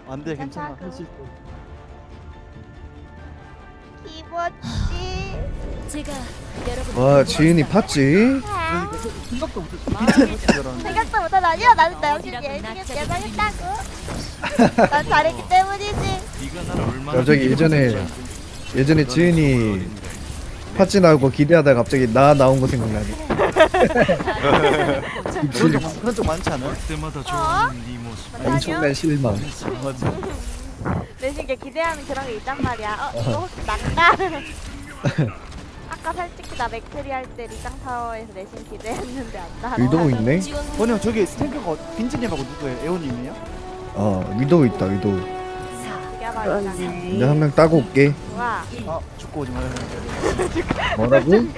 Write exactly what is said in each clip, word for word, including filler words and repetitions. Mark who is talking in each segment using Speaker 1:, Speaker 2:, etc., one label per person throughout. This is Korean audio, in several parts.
Speaker 1: 안돼 괜찮아 할 수 있어.
Speaker 2: 기뻤지.
Speaker 3: 제가 여러분
Speaker 4: 와 지은이 팠지?
Speaker 1: 그러니까 생각도 못했어. 빈티지 줄 알았는데.
Speaker 2: 생각도 못한 아니야. 나는 나 역시 열심히 예상했다고. 난 잘했기 때문이지.
Speaker 4: 갑자기 예전에 예전에 지은이 팥찌 나오고 기대하다가 갑자기 나 나온 거 생각나네.
Speaker 1: 그런 적 그런 적 많지 않아?
Speaker 2: 어?
Speaker 4: 엄청난 실망.
Speaker 1: 맞아.
Speaker 2: 내신게 기대하는 그런 게 있단 말이야. 어, 이거 혹시 난가? 아까 솔직히 나 맥트리 할 때 리장 타워에서 내신 기대했는데 안 나.
Speaker 4: 위도우 있네?
Speaker 1: 번형 저기 스탱크가 빈지님하고 누구예요? 에오님이에요?
Speaker 4: 어 위도우 있다 위도우.
Speaker 2: 그게 바로 리장.
Speaker 4: 근데 한 명 따고 올게.
Speaker 2: 좋아.
Speaker 1: 아 죽고 오지 말아요.
Speaker 4: 뭐라고?
Speaker 1: 미안해.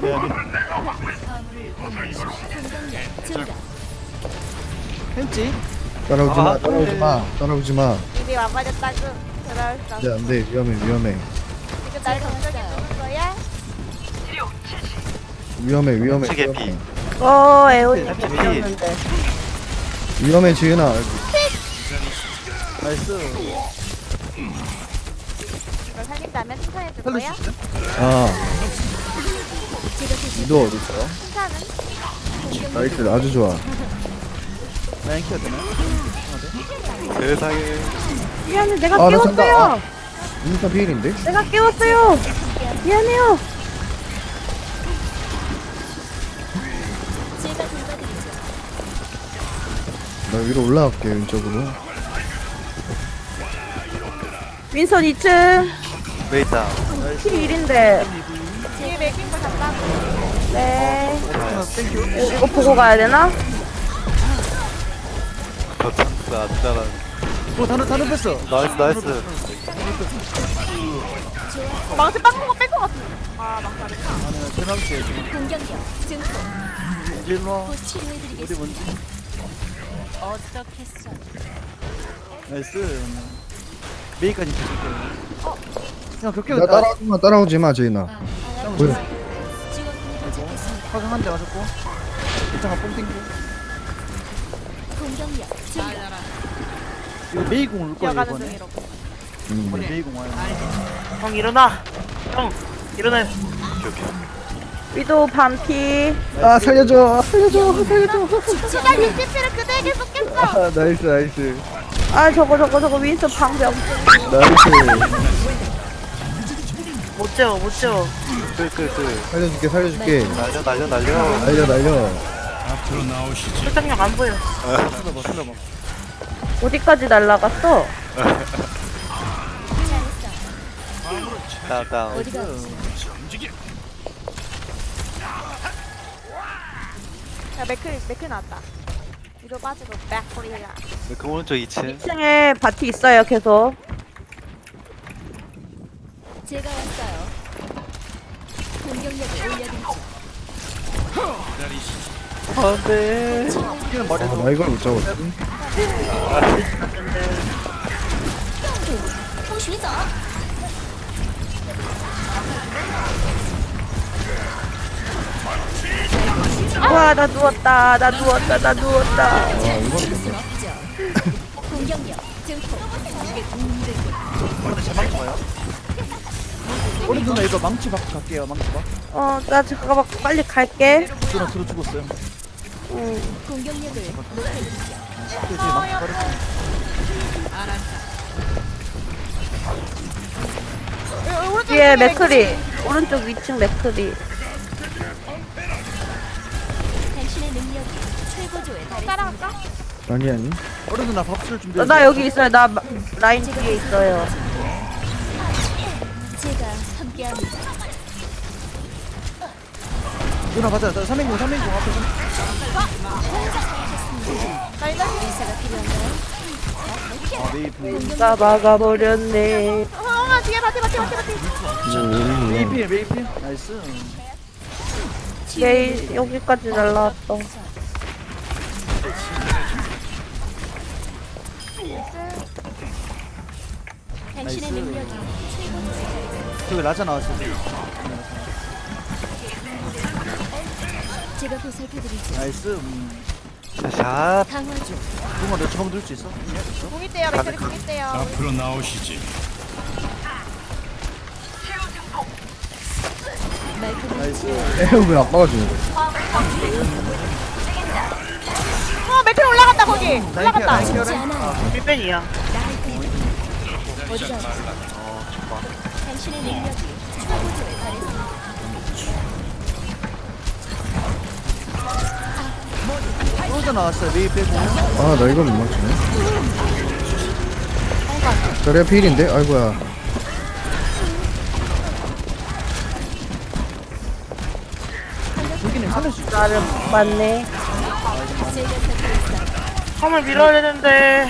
Speaker 1: 했지?
Speaker 4: 따라오지 마
Speaker 1: 아,
Speaker 4: 따라오지 마 따라오지 마.
Speaker 2: 이미 와버렸다고. 그럴 수
Speaker 4: 안돼
Speaker 2: 없어.
Speaker 4: 안돼 위험해 위험해
Speaker 2: 지금 날 걱정해 주는 거야?
Speaker 4: 위험해 위험해
Speaker 5: 세계
Speaker 4: 위험해.
Speaker 5: 피.
Speaker 6: 어, 에오님
Speaker 1: 피.
Speaker 6: 죽였는데.
Speaker 4: 위험해 지은아.
Speaker 1: 나이스.
Speaker 2: 이걸 살린다면 칭찬해 줄
Speaker 1: 살릴
Speaker 2: 거야?
Speaker 1: 수 있어?
Speaker 4: 아 위도우 어디 있어?
Speaker 2: 칭찬은?
Speaker 4: 나이스 아주 좋아.
Speaker 1: 라인 키워야 되나?
Speaker 5: 세상에.
Speaker 6: 미안해, 내가
Speaker 4: 아, 나 산다.
Speaker 6: 깨웠어요.
Speaker 4: 아. 인스타 피일인데?
Speaker 6: 내가 깨웠어요. 미안해요.
Speaker 3: 제가 돌봐드리죠.
Speaker 4: 나 위로 올라갈게 왼쪽으로.
Speaker 6: 윈선 이 층.
Speaker 5: 왜 있다.
Speaker 6: 킬일인데.
Speaker 2: 뒤에 맥힌 거 잡다고.
Speaker 6: 네.
Speaker 1: 아, 땡큐.
Speaker 6: 어, 이거 보고 가야 되나?
Speaker 5: 더 찬스 안 잘하는.
Speaker 1: 오 단어 단어 뺐어.
Speaker 5: 나이스 나이스.
Speaker 2: 망치 빵 거 뺀거 같은. 아 망치 안 했다.
Speaker 1: 아니 대망치 지금
Speaker 3: 공격력 증폭.
Speaker 1: 일로 와.
Speaker 3: 곧
Speaker 1: 어디
Speaker 3: 치료해드리겠습니다.
Speaker 1: 뭔지.
Speaker 3: 어떻겠어?
Speaker 1: 나이스. 메이까지 붙일게. 어? 그냥 벽
Speaker 4: 나
Speaker 1: 깨고
Speaker 4: 따라오지 마 따라오지 마 지은아. 보여.
Speaker 3: 지원군이 도착했습니다.
Speaker 1: 화강 한 대 맞았고. 이창아 뽕 땡겨.
Speaker 3: 공격력 증가.
Speaker 1: 이거 메이공 올 거야
Speaker 2: 뛰어가는
Speaker 1: 이번에.
Speaker 2: 중이라고.
Speaker 4: 음.
Speaker 1: 이번에 메이공 와요.
Speaker 7: 형 일어나. 형 일어나요.
Speaker 5: 오케이 오케이.
Speaker 6: 위도 반피.
Speaker 4: 아 살려줘 살려줘 살려줘.
Speaker 2: 수가 유치피를 그대에게 쏟겠어.
Speaker 4: 아 나이스 나이스
Speaker 6: 아, 저거, 저거, 저거 윈선 방벽.
Speaker 4: 나이스.
Speaker 7: 못 재워 못 재워.
Speaker 5: 끌끌끌.
Speaker 4: 살려줄게 살려줄게.
Speaker 5: 날려 날려 날려.
Speaker 4: 날려 날려.
Speaker 7: 설정력 안 보여.
Speaker 1: 쓸어봐 쓸어봐.
Speaker 6: 어디까지 날라갔어?
Speaker 5: 다운 다운.
Speaker 3: 어디가
Speaker 2: 야 맥클 맥클 나왔다. 위로 빠지고 맥콜이야.
Speaker 5: 그 오른쪽 이 층.
Speaker 6: 이 층에 바티 있어요, 계속.
Speaker 3: 제가 왔어요. 공격력을 올려드리죠.
Speaker 5: 안돼.
Speaker 1: 이기는
Speaker 4: 아,
Speaker 1: 말해도
Speaker 4: 나 이걸 못 잡았어.
Speaker 6: 와, 나 누웠다. 나 누웠다. 나 누웠다.
Speaker 3: 지킬 순 없죠. 공격력 증폭.
Speaker 1: 근데 제 망치 봐요. 우리 누나 이거 망치 받고 갈게요 망치 봐.
Speaker 6: 어, 나 잠깐만 빨리 갈게.
Speaker 1: 누나 들어 죽었어요.
Speaker 6: 응.
Speaker 3: 공격력을 높여드리죠.
Speaker 1: 그 뒤에 망치 빠르게.
Speaker 6: 뒤에 맥크리. 오른쪽 위층 맥크리.
Speaker 3: 당신의 능력이 최고조에 달했습니다.
Speaker 2: 따라갈까?
Speaker 4: 아니 아니.
Speaker 1: 어른 누나 밥술 준비.
Speaker 6: 나, 나 여기 있어요. 나 마- 라인 뒤에 있어요.
Speaker 3: 제가 함께합니다.
Speaker 1: 누나 맞아. 나 삼행공 삼행공 앞에 좀.
Speaker 2: 나 이제
Speaker 3: 의사가 필요한가요?
Speaker 1: 아 메이플.
Speaker 6: 나 막아버렸네.
Speaker 2: 어머 뒤에 바티 바티 바티 바티.
Speaker 1: 메이필 메이필. 나이스.
Speaker 6: 얘 여기까지 날라왔어.
Speaker 3: 당신의
Speaker 1: 나이스.
Speaker 3: 능력이 최고조에 달했습니다.
Speaker 1: 저기 라자 나왔어.
Speaker 3: 제가 보살펴드리죠.
Speaker 1: 나이스. 음.
Speaker 5: 샷.
Speaker 3: 강화 중.
Speaker 1: 붕어 너 주먹 넣을 수 있어? 네, 있어?
Speaker 2: 궁 있대요. 맥크리 궁 있대요.
Speaker 8: 앞으로 나오시지.
Speaker 1: 나이스.
Speaker 4: 에휴 왜 아빠가 주는 거야?
Speaker 2: 어 맥크리 올라간다 거기.
Speaker 1: 라인 케어
Speaker 2: 올라간다.
Speaker 1: 라인 케어
Speaker 3: 죽지
Speaker 1: 라인.
Speaker 3: 않아요.
Speaker 7: 일벤이야.
Speaker 3: 어디가 아프세요? 당신의 능력이 최고조에 달했습니다.
Speaker 1: 솔저 나왔어요. 메이 빼고.
Speaker 4: 아 나 이걸 못 맞추네. 저래 필인데? 아이고야.
Speaker 1: 여기는 살릴 수 있어.
Speaker 6: 나를 맞네.
Speaker 3: 제가 곁에 있어.
Speaker 7: 화물 밀어야 되는데.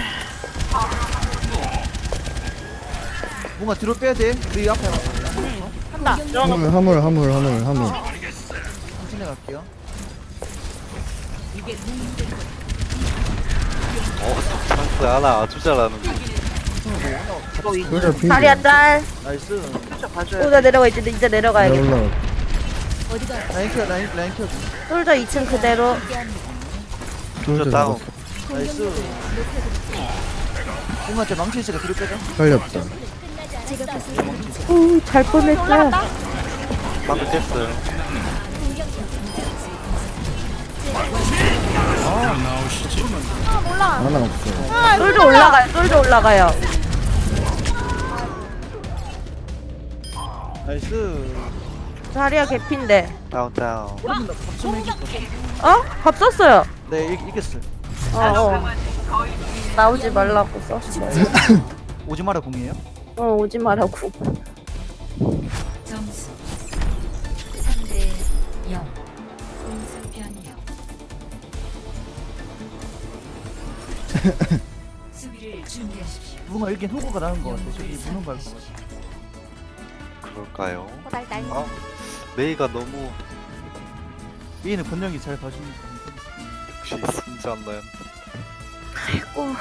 Speaker 1: 뭔가 뒤로 빼야 돼. 메이 앞에
Speaker 2: 한다.
Speaker 4: 화물 화물 화물 화물 화물.
Speaker 1: 천천히 갈게요.
Speaker 5: 어, 찬스 하나 아주 잘하는데.
Speaker 7: 이거 이
Speaker 4: 솔저 필.
Speaker 6: 다리야 짤.
Speaker 1: 나이스.
Speaker 7: 진짜 봐줘야 돼.
Speaker 6: 오자 내려가 이제 이제 내려가야겠다.
Speaker 4: 올라.
Speaker 3: 어디가 아프세요?
Speaker 1: 라인 케어 라인 라인 케어.
Speaker 6: 솔저 이 층 그대로.
Speaker 3: 함께합니다.
Speaker 5: 솔저 다운.
Speaker 1: 나이스. 뭔가 저 망치 있으니까 뒤로 빼자.
Speaker 4: 살렸다.
Speaker 3: 제가 보살펴드리죠.
Speaker 6: 오잘 뻔했어.
Speaker 2: 올라간다.
Speaker 5: 방금 깼어요.
Speaker 8: 앞으로 나오시지.
Speaker 2: 아 몰라.
Speaker 4: 하나 없어.
Speaker 2: 아
Speaker 6: 솔저 올라가요. 솔저 올라가요.
Speaker 1: 나이스.
Speaker 6: 다리야 개핀데.
Speaker 5: 다운 다운.
Speaker 1: 오른쪽 나 박수면 이겼어.
Speaker 6: 어? 밥 썼어요.
Speaker 1: 네 이- 이겼어요.
Speaker 6: 어 어. 나오지 말라고 썼어.
Speaker 1: 오지 마라 공이에요.
Speaker 6: 어 오지 말라고.
Speaker 3: 점수 삼 대 영. 공수 변형. 수비를 준비하십시오.
Speaker 1: 뭔가 여긴 호구가 나는 것 같아. 저기 무는 밟고.
Speaker 5: 그럴까요?
Speaker 2: 호달달.
Speaker 5: 아, 메이가 너무
Speaker 1: 메이는 권력이 잘 봐주니까.
Speaker 5: 역시 승자나요.
Speaker 6: 아이고.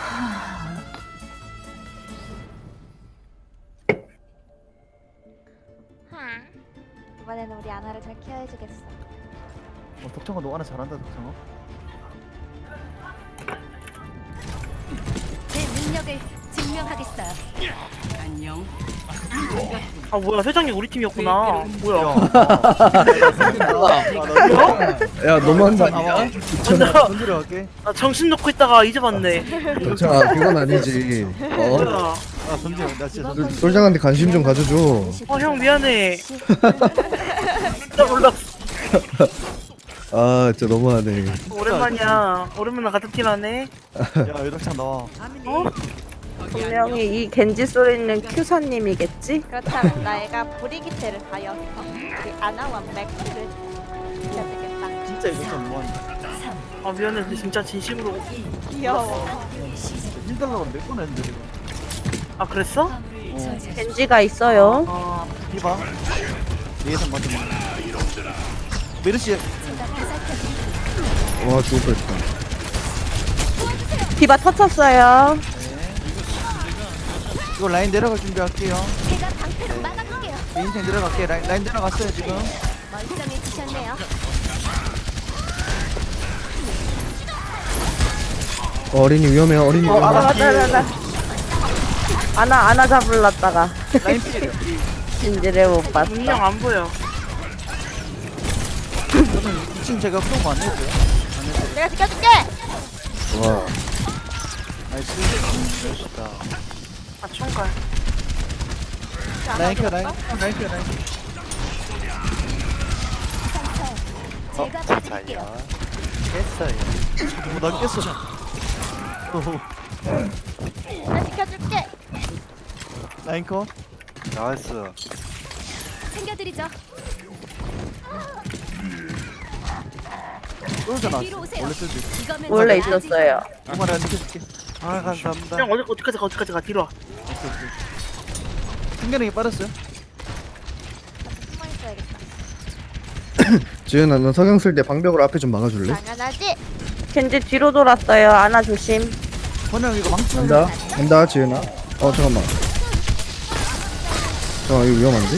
Speaker 2: 하. 이번에는 우리 아나를 잘 케어해주겠어.
Speaker 1: 어, 덕창아 너 하나 잘한다 덕창아.
Speaker 3: 제 능력을 증명하겠어요. 안녕.
Speaker 7: 아 뭐야 회장님 우리 팀이었구나. 뭐야.
Speaker 4: 야 너무한다.
Speaker 1: 아,
Speaker 7: 나,
Speaker 1: 던지러 갈게.
Speaker 7: 나 정신 놓고 있다가 이제 봤네.
Speaker 4: 자 그건 아니지. 어?
Speaker 7: 뭐야.
Speaker 1: 아 던져. 나 진짜 던져.
Speaker 4: 솔- 솔장한테 관심 좀 가져줘.
Speaker 7: 어 형 미안해. 진짜 몰랐어.
Speaker 4: 아 진짜 너무하네.
Speaker 7: 오랜만이야. 오랜만에 같은 팀 하네.
Speaker 1: 야 여덕창 나와.
Speaker 7: 어?
Speaker 6: 분명히 이 겐지 소리는 큐사님이겠지?
Speaker 2: 그렇다면 나애가 브리기테를 하여서 우리 아나와 맥크를 해야 되겠다.
Speaker 1: 진짜 여덕창 너무한다.
Speaker 7: 아 미안해. 근데 진짜 진심으로.
Speaker 2: 귀여워.
Speaker 1: 일 달러가 몇 번 했는데 이거.
Speaker 7: 아 그랬어?
Speaker 1: 어.
Speaker 6: 겐지가 있어요.
Speaker 7: 아
Speaker 1: 이봐. 예상 맞으면. 메르시
Speaker 4: 와 죽을 뻔했다.
Speaker 6: 디바 터쳤어요.
Speaker 1: 이거 라인 내려갈 준비할게요.
Speaker 3: 제가 방패로 막아볼게요.
Speaker 1: 내 인생 내려갈게. 라인, 라인 내려갔어요 지금.
Speaker 3: 멀쩡해지셨네요.
Speaker 4: 어, 어린이 위험해. 어린이
Speaker 6: 어,
Speaker 4: 위험해.
Speaker 6: 아나 맞다 맞다. 아나 아나 잡을랐다가
Speaker 1: 라인 필.
Speaker 6: 진지를 못 봤어.
Speaker 7: 분명 안 보여.
Speaker 1: 이 층 제가 프로그 안 해도요. 안 해도.
Speaker 2: 내가 지켜줄게.
Speaker 4: 와.
Speaker 1: 나이스.
Speaker 5: 멋있다.
Speaker 7: 아 총괄.
Speaker 1: 라인 켜 라인. 라인 켜 라인.
Speaker 5: 어,
Speaker 3: 제가
Speaker 5: 자자야.
Speaker 3: 봐드릴게요.
Speaker 5: 깼어요.
Speaker 1: 뭐나 깼어. 오호.
Speaker 2: 내가 지켜줄게.
Speaker 1: 라인 컷.
Speaker 5: 나이스.
Speaker 3: 챙겨드리죠.
Speaker 1: 쫄져 나왔어.
Speaker 3: 뒤로 오세요.
Speaker 1: 원래 쫄지.
Speaker 3: 이거면
Speaker 6: 원래
Speaker 3: 제가 아직
Speaker 6: 있었어요.
Speaker 1: 정말 안 지켜줄게.
Speaker 5: 아 감사합니다.
Speaker 7: 형 어디 어디까지 가 어디까지 가 뒤로 와.
Speaker 1: 오케이 오케이. 순간에 빠졌어요.
Speaker 2: 숨어 있어야겠다.
Speaker 4: 지은아 너 석영 쓸 때 방벽으로 앞에 좀 막아줄래?
Speaker 2: 당연하지.
Speaker 6: 겐지 뒤로 돌았어요. 아나 조심.
Speaker 1: 번영 이거 망치.
Speaker 4: 간다. 간다 지은아. 어 잠깐만. 잠깐 이거 위험한데?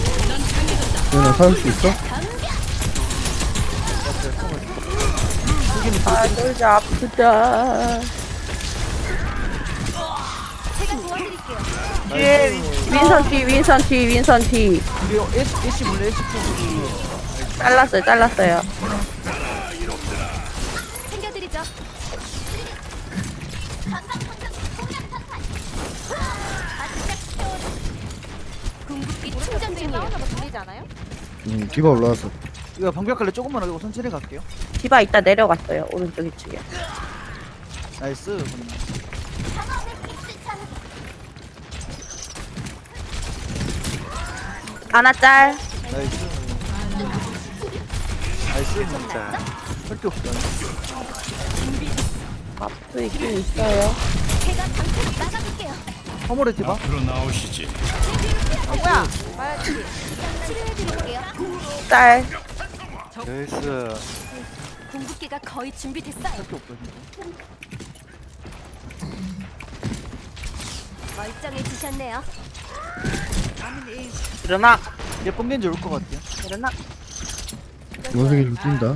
Speaker 4: 지은아 살릴 수 있어?
Speaker 6: 아 솔저 아프다.
Speaker 3: 제가 도와드릴게요.
Speaker 7: 뒤에
Speaker 6: 윈선 뒤 윈선 뒤 윈선 뒤.
Speaker 1: 우리 애쉬 애쉬 몰래 애쉬 포기.
Speaker 6: 잘랐어요 잘랐어요.
Speaker 3: 챙겨드리죠. 궁극기 충전 중이에요.
Speaker 2: 싸우는 거 들리지 않아요?
Speaker 4: 음 디바 올라왔어.
Speaker 1: 이거 방벽 갈래 조금만 하고 천천히 갈게요.
Speaker 6: 디바 이따 내려갔어요 오른쪽 이쪽에.
Speaker 1: 나이스.
Speaker 6: 아나 짤.
Speaker 1: 나이스. 나이스.
Speaker 5: 진짜.
Speaker 1: 할게 없다.
Speaker 6: 앞도 있긴 있어요.
Speaker 3: 제가 방패로 막아볼게요.
Speaker 1: 화물에 디바.
Speaker 8: 앞으로 나오시지.
Speaker 2: 어 뭐야? 봐야지.
Speaker 3: 치료해드릴게요.
Speaker 6: 짤.
Speaker 5: 나이스.
Speaker 3: 궁극기가 거의 준비됐어요.
Speaker 1: 할게 없다 진짜.
Speaker 3: 멀쩡해지셨네요.
Speaker 7: 일어나.
Speaker 1: 얘 뻥겐지 올 것 같아요.
Speaker 7: 일어나.
Speaker 4: 원숭이 좀 뛴다.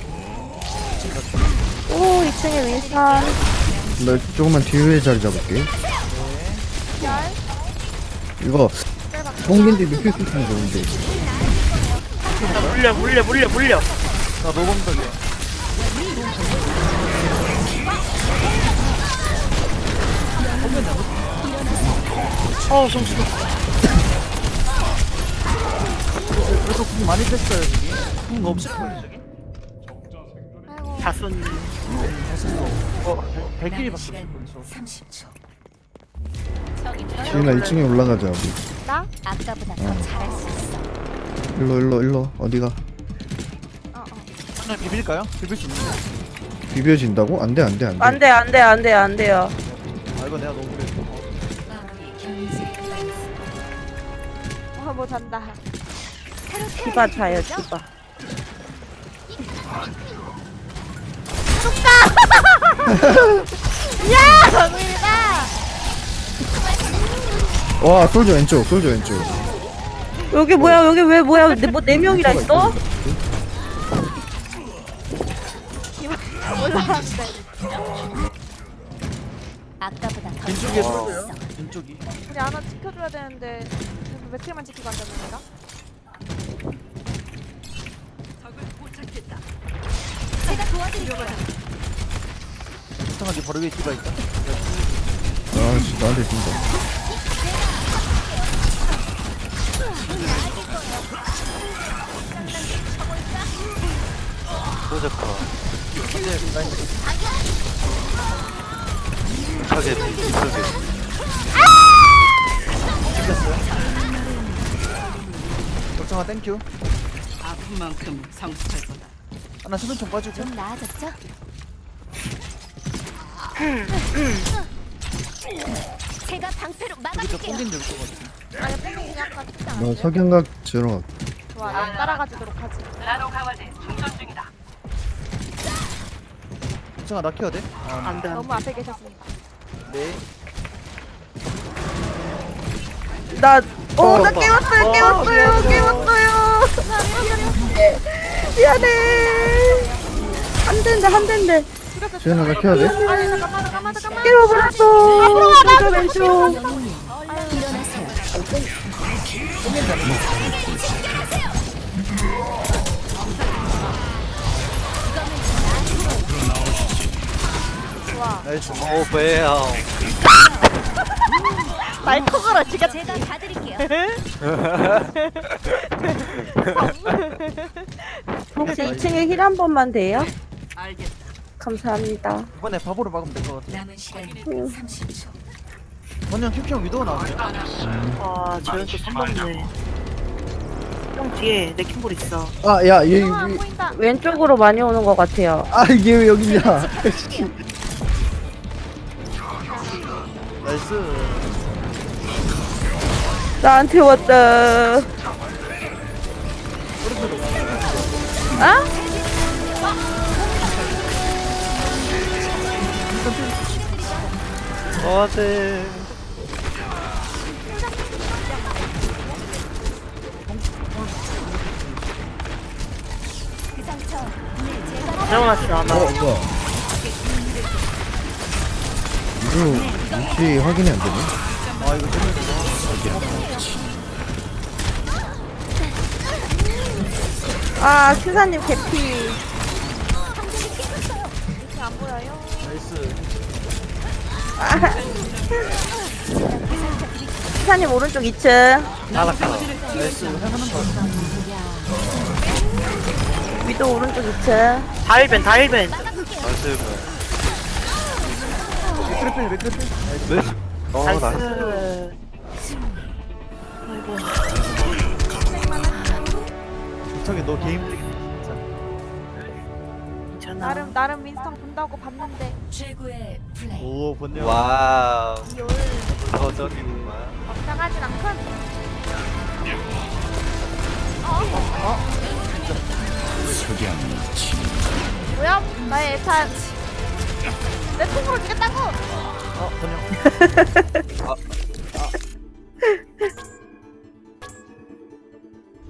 Speaker 6: 오 이 층에 윈선.
Speaker 4: 나 조금만 뒤에 자리 잡을게.
Speaker 2: 열.
Speaker 4: 이거 뽕긴지 눕힐 수 있으면 좋은데.
Speaker 7: 나 물려 물려 물려 물려.
Speaker 1: 나 노범석이야.
Speaker 7: 어우 정신.
Speaker 1: 그래도 궁 많이 뺐어요 저기. 궁 없을 거예요 저기.
Speaker 2: 아이고.
Speaker 7: 다 썼니.
Speaker 1: 어 발길이 바뀌었어.
Speaker 4: 지은아 이 층에 올라가자 우리.
Speaker 2: 나?
Speaker 3: 아까보다 더 잘할 수 있어.
Speaker 4: 일로 일로 일로 어디가?
Speaker 2: 어 어.
Speaker 1: 하나 비빌까요? 비빌 수 있는데.
Speaker 4: 비벼진다고? 안돼 안돼 안돼.
Speaker 6: 안돼 안돼 안돼 안돼요.
Speaker 1: 아 이거 내가 너무 그랬어.
Speaker 2: 어뭐 잔다.
Speaker 6: 디바 자요 디바.
Speaker 2: 야 정민이다.
Speaker 4: 와 솔저 왼쪽 솔저 왼쪽.
Speaker 6: 여기 뭐야 여기 왜 뭐야 뭐 네 명이라 있어?
Speaker 2: 올라왔는데.
Speaker 3: 아까보다 더
Speaker 1: 왼쪽에
Speaker 3: 잘할 수
Speaker 1: 떨어져요.
Speaker 3: 있어.
Speaker 1: 왼쪽이.
Speaker 2: 우리 하나 지켜줘야 되는데 며칠만 지키고 앉았는 내가?
Speaker 3: 제가 도와드릴게요.
Speaker 1: 이상하게 바로 위에 디바 있다.
Speaker 4: 아씨 나한테 뛴다.
Speaker 5: 소저커.
Speaker 1: 이제 라인
Speaker 5: 이쪽에 이쪽에.
Speaker 1: 찍혔어요. 걱정아 땡큐.
Speaker 9: 아픈 만큼 상수할 거다.
Speaker 1: 하나 수면총 빠지고.
Speaker 3: 좀 나아졌죠? 제가 방패로
Speaker 1: 여기서
Speaker 3: 막아볼게요.
Speaker 1: 뽕겐지 올것 같아.
Speaker 2: 아니 뽕뽕이 약간 특장
Speaker 4: 나
Speaker 2: 아니에요?
Speaker 4: 석양각 들어.
Speaker 2: 좋아 나 따라가주도록 하지.
Speaker 1: 걱정아 나 켜야 돼? 아,
Speaker 7: 안돼
Speaker 2: 너무
Speaker 7: 안돼.
Speaker 2: 앞에 계셨습니다.
Speaker 1: 네.
Speaker 6: 나, 어,
Speaker 1: 어,
Speaker 6: 나
Speaker 1: 봐.
Speaker 6: 깨웠어요,
Speaker 1: 어,
Speaker 6: 깨웠어요, 깨웠어요. 미안해. 한 대인데, 한 대인데.
Speaker 4: 지은아 나 켜야 돼?
Speaker 2: 아니 잠깐만 잠깐만 잠깐만.
Speaker 6: 깨워버렸어. 솔저 왼쪽.
Speaker 3: 일어나세요.
Speaker 2: 좋아.
Speaker 1: 나이스.
Speaker 5: 오 배야.
Speaker 2: 말 통으로 지금
Speaker 3: 제가 봐드릴게요.
Speaker 6: 혹시 이 층에 힐 한 번만 돼요?
Speaker 9: 알겠다.
Speaker 6: 감사합니다.
Speaker 1: 이번에 바보로 막으면 될 것 같아.
Speaker 9: 남은 시간
Speaker 6: 응.
Speaker 9: 삼십 초.
Speaker 1: 번영 큐큐 위도우 나왔어요.
Speaker 7: 아 저런 또 삼번네. 형 뒤에 레킹볼 있어.
Speaker 4: 아야얘
Speaker 2: 아, 안 보인다.
Speaker 6: 왼쪽으로 많이 오는 것 같아요.
Speaker 4: 아 이게 왜 여기 있냐?
Speaker 1: 나이스.
Speaker 6: 나한테 왔다. 아?
Speaker 5: 어제.
Speaker 3: 그 상처 늘 제가
Speaker 7: 재워놨어 아마.
Speaker 4: 어 뭐야 이거 혹시 확인이 안 되네?
Speaker 1: 아 이거 재밌어.
Speaker 6: 아 큐사님 개피.
Speaker 2: 이렇게 안 보여요?
Speaker 1: 나이스.
Speaker 6: 큐사님 오른쪽 이 층.
Speaker 5: 나락가.
Speaker 1: 나이스. 해보는 거.
Speaker 6: 위도 오른쪽 이 층.
Speaker 7: 다일벤 다일벤.
Speaker 5: 나이스.
Speaker 1: 맥크리필 맥크리필. 나이스.
Speaker 5: 나이스. 어, 나이스.
Speaker 7: 나이스.
Speaker 1: 저기 너 게임
Speaker 7: 괜찮아.
Speaker 2: 나름 나름 윈스턴 본다고 봤는데
Speaker 3: 최고의 플레이.
Speaker 1: 오 본네요.
Speaker 5: 와우.
Speaker 2: 이올
Speaker 5: 버전이구만.
Speaker 2: 걱정하진 않건.
Speaker 8: 석양이 치
Speaker 2: 뭐야? 나의 애찬 내 통으로 주겠다고.
Speaker 1: 어 번영.